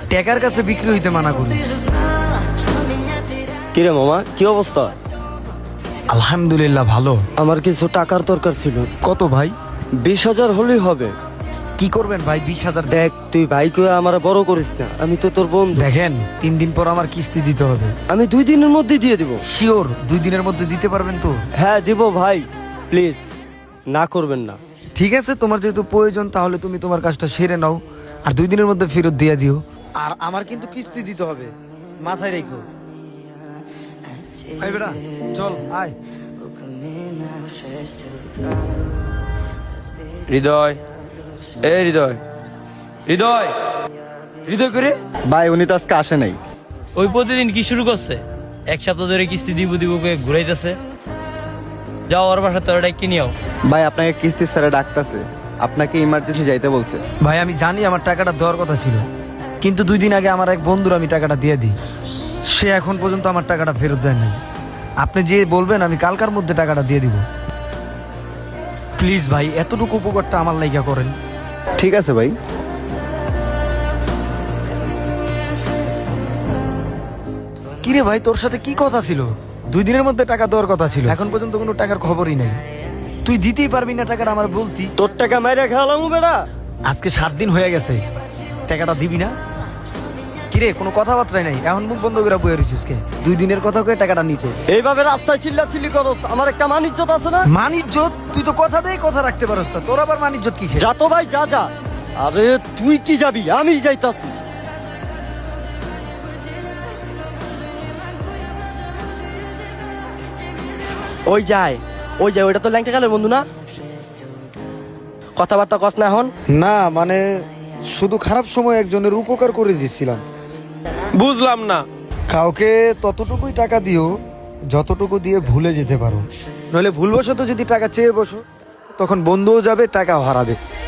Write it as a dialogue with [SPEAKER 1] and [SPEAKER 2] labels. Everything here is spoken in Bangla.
[SPEAKER 1] টাকার কাছে বিক্রি হইতে মানা করি।
[SPEAKER 2] কিরে মামা, কি অবস্থা?
[SPEAKER 1] আলহামদুলিল্লাহ ভালো।
[SPEAKER 2] আমার কিছু টাকার দরকার ছিল।
[SPEAKER 1] কত ভাই?
[SPEAKER 2] 20,000 হলেই হবে।
[SPEAKER 1] কি করবেন ভাই 20,000?
[SPEAKER 2] দেখ, তুই ভাই কয়ে আমার বড় করিস না, আমি তো তোর বন্ধু।
[SPEAKER 1] দেখেন 3 দিন পর আমার কিস্তি দিতে হবে।
[SPEAKER 2] আমি 2 দিনের মধ্যে দিয়ে দিব।
[SPEAKER 1] শিওর 2 দিনের মধ্যে দিতে পারবেন তো?
[SPEAKER 2] হ্যাঁ দিব ভাই, প্লিজ না করবেন না।
[SPEAKER 1] ঠিক আছে, তোমার যেহেতু প্রয়োজন তাহলে তুমি তোমার কাজটা সেরে নাও, আর 2 দিনের মধ্যে ফেরত দিয়ে দিও। আর আমার কিন্তু কিস্তি দিতে হবে, মাথায় রেখো। আয় বেটা, চল আয়।
[SPEAKER 3] হৃদয়, এ হৃদয়, হৃদয়, হৃদয় করে
[SPEAKER 4] ভাই উনি তো আজকে আসে নাই।
[SPEAKER 5] ওই প্রতিদিন কি শুরু করছে? 1 সপ্তাহ ধরে কিস্তি দিব দিব করে ঘুরাইতেছে। যাও ওর বাসা তোর ডাকি নিও।
[SPEAKER 4] ভাই আপনাকে কিস্তি স্যারে ডাকতেছে, আপনাকে ইমার্জেন্সি যাইতে বলছে।
[SPEAKER 1] ভাই আমি জানি আমার টাকাটা দেওয়ার কথা ছিল, কিন্তু 2 দিন আগে আমার এক বন্ধুর আমি টাকাটা দিয়ে দিই, সে এখন পর্যন্ত আমার টাকাটা ফেরত দেয় নাই। আপনি যে বলবেন আমি কালকার মধ্যে টাকাটা দিয়ে দিব। প্লিজ ভাই, এতটুকু উপকারটা আমার লাইগা করেন।
[SPEAKER 4] ঠিক আছে ভাই।
[SPEAKER 1] কিরে ভাই, তোর সাথে কি কথা ছিল? 2 দিনের মধ্যে টাকা দেওয়ার কথা ছিল, এখন পর্যন্ত কোনো টাকার খবরই নাই। তুই দিতেই পারবি না টাকাটা, আমার বলতি।
[SPEAKER 2] তোর টাকা মাইরা খেলাম বেটা।
[SPEAKER 1] আজকে 7 দিন হয়ে গেছে, টাকাটা দিবি না? কিরে কোনো কথাবার্তাই নাই, এখন মুখ বন্ধ করে বয়ে রয়েছিস কে? 2 দিনের কথা কয়ে টাকাটা নিচে।
[SPEAKER 2] এইভাবে রাস্তায় চিল্লাচিল্লি করস, আমার একটা মান ইজ্জত আছে না?
[SPEAKER 1] মানিজ্জত? তুই তো কথা দিয়ে কথা রাখতে পারস না, তোর আবার মানিজ্জত কিসে?
[SPEAKER 2] যা তো ভাই, যা যা। আরে তুই কি যাবি, আমি যাইতাছি। ওই যায়, ওই যায়, ওইটা তো ল্যাংটা কালের বন্ধু না? কথাবার্তা কস না এখন?
[SPEAKER 6] না মানে শুধু খারাপ সময় একজনের উপকার করে দিছিলাম।
[SPEAKER 3] বুঝলাম না।
[SPEAKER 1] কাউকে ততটুকুই টাকা দিও যতটুকু দিয়ে ভুলে যেতে পারো, নইলে ভুলবশত যদি টাকা চেয়ে বসো তখন বন্ধুও যাবে, টাকাও হারাবে।